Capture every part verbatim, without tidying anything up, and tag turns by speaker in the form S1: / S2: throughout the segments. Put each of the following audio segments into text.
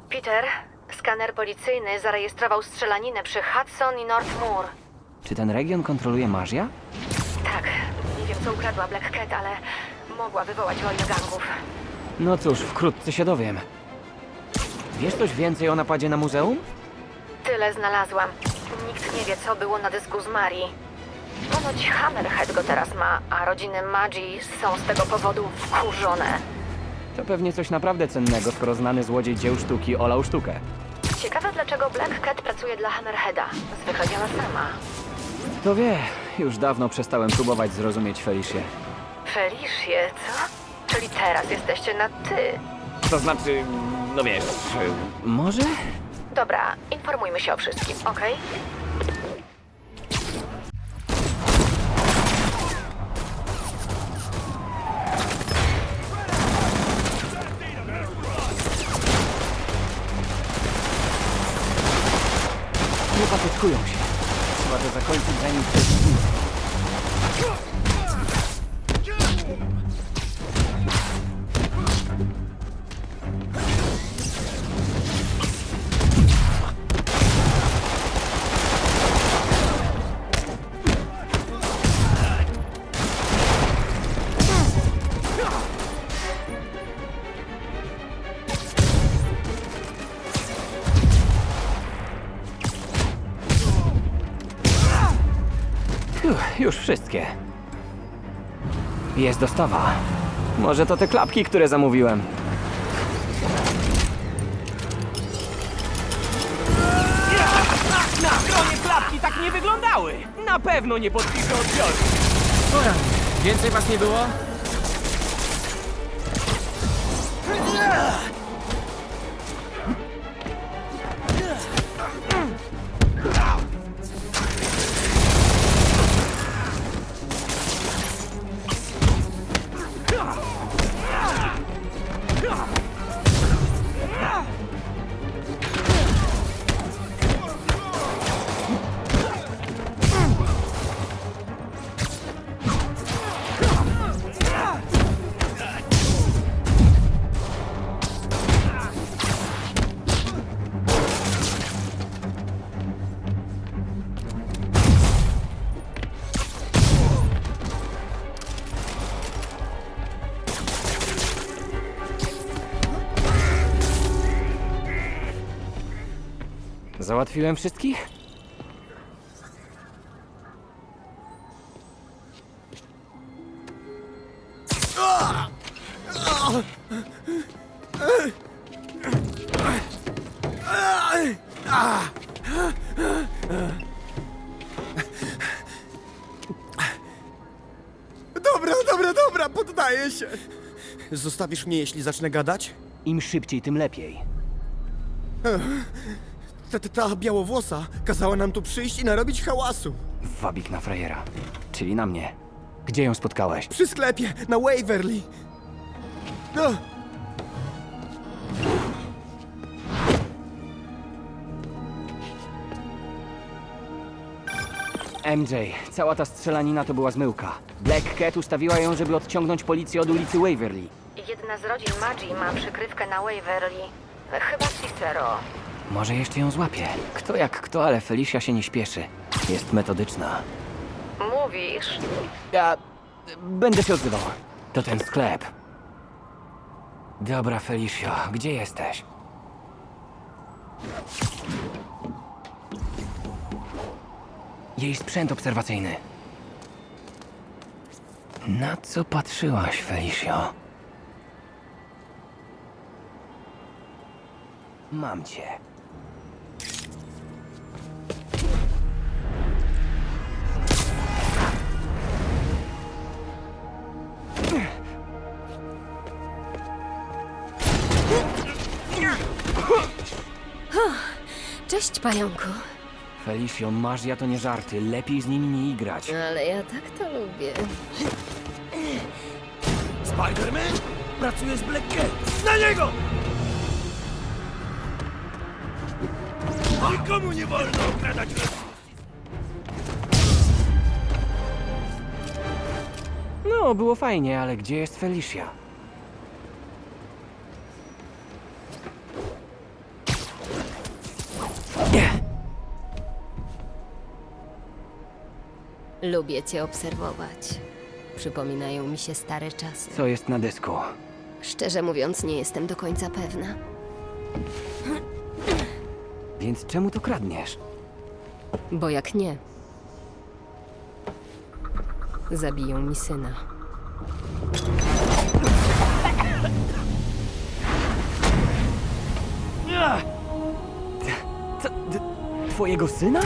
S1: Peter, skaner policyjny zarejestrował strzelaninę przy Hudson i North Moor.
S2: Czy ten region kontroluje Magia?
S1: Tak, nie wiem co ukradła Black Cat, ale mogła wywołać wojnę gangów.
S2: No cóż, wkrótce się dowiem. Wiesz coś więcej o napadzie na muzeum?
S1: Tyle znalazłam. Nikt nie wie, co było na dysku z Marii. Ponoć Hammerhead go teraz ma, a rodziny Magii są z tego powodu wkurzone.
S2: To pewnie coś naprawdę cennego, skoro znany złodziej dzieł sztuki olał sztukę.
S1: Ciekawe, dlaczego Black Cat pracuje dla Hammerheada. Zwykle działa sama.
S2: Kto wie, już dawno przestałem próbować zrozumieć Felicię.
S1: Felicie, co? Czyli teraz jesteście na ty.
S2: To znaczy, no wiesz... Może?
S1: Dobra, informujmy się o wszystkim, okej?
S2: Nie patetkują się. Trzeba to zakończyć, zanim ktoś zginie. Uff, już wszystkie. Jest dostawa. Może to te klapki, które zamówiłem.
S3: Na stronie klapki tak nie wyglądały! Na pewno nie podpiszę odbioru!
S2: Więcej was nie było? Załatwiłem wszystkich?
S4: Dobra, dobra, dobra, poddaję się. Zostawisz mnie, jeśli zacznę gadać?
S2: Im szybciej, tym lepiej.
S4: Ta, ta, ta białowłosa kazała nam tu przyjść i narobić hałasu.
S2: Wabik na frajera. Czyli na mnie. Gdzie ją spotkałeś?
S4: Przy sklepie, na Waverly. No,
S2: M J, cała ta strzelanina to była zmyłka. Black Cat ustawiła ją, żeby odciągnąć policję od ulicy Waverly.
S1: Jedna z rodzin Magii ma przykrywkę na Waverly. Chyba Cicero.
S2: Może jeszcze ją złapie. Kto jak kto, ale Felicia się nie śpieszy. Jest metodyczna.
S1: Mówisz?
S2: Ja... będę się odzywał. To ten sklep. Dobra, Felicio, gdzie jesteś? Jej sprzęt obserwacyjny. Na co patrzyłaś, Felicio? Mam cię.
S5: Cześć, pająku.
S2: Felicio, magia to nie żarty. Lepiej z nimi nie igrać.
S5: Ale ja tak to lubię.
S3: Spider-Man? Pracuje z Black Cat! Na niego! Nikomu nie wolno okradać rodziny!
S2: No, było fajnie, ale gdzie jest Felicia?
S5: Lubię cię obserwować. Przypominają mi się stare czasy.
S2: Co jest na dysku?
S5: Szczerze mówiąc, nie jestem do końca pewna.
S2: Więc czemu to kradniesz?
S5: Bo jak nie, zabiją mi syna.
S2: Co, d- twojego syna?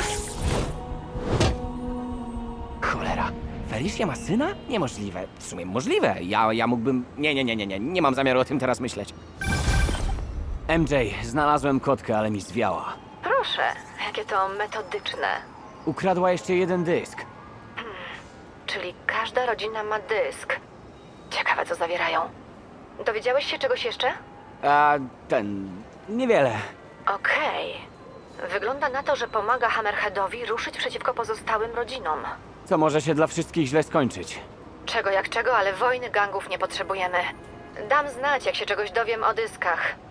S2: Cholera. Felicia ma syna? Niemożliwe. W sumie możliwe. Ja, ja mógłbym... Nie, nie, nie, nie, nie. Nie mam zamiaru o tym teraz myśleć. M J, znalazłem kotkę, ale mi zwiała.
S1: Proszę, jakie to metodyczne.
S2: Ukradła jeszcze jeden dysk.
S1: Czyli każda rodzina ma dysk. Ciekawe, co zawierają. Dowiedziałeś się czegoś jeszcze?
S2: A ten... niewiele.
S1: Okej. Wygląda na to, że pomaga Hammerheadowi ruszyć przeciwko pozostałym rodzinom.
S2: Co może się dla wszystkich źle skończyć.
S1: Czego jak czego, ale wojny gangów nie potrzebujemy. Dam znać, jak się czegoś dowiem o dyskach.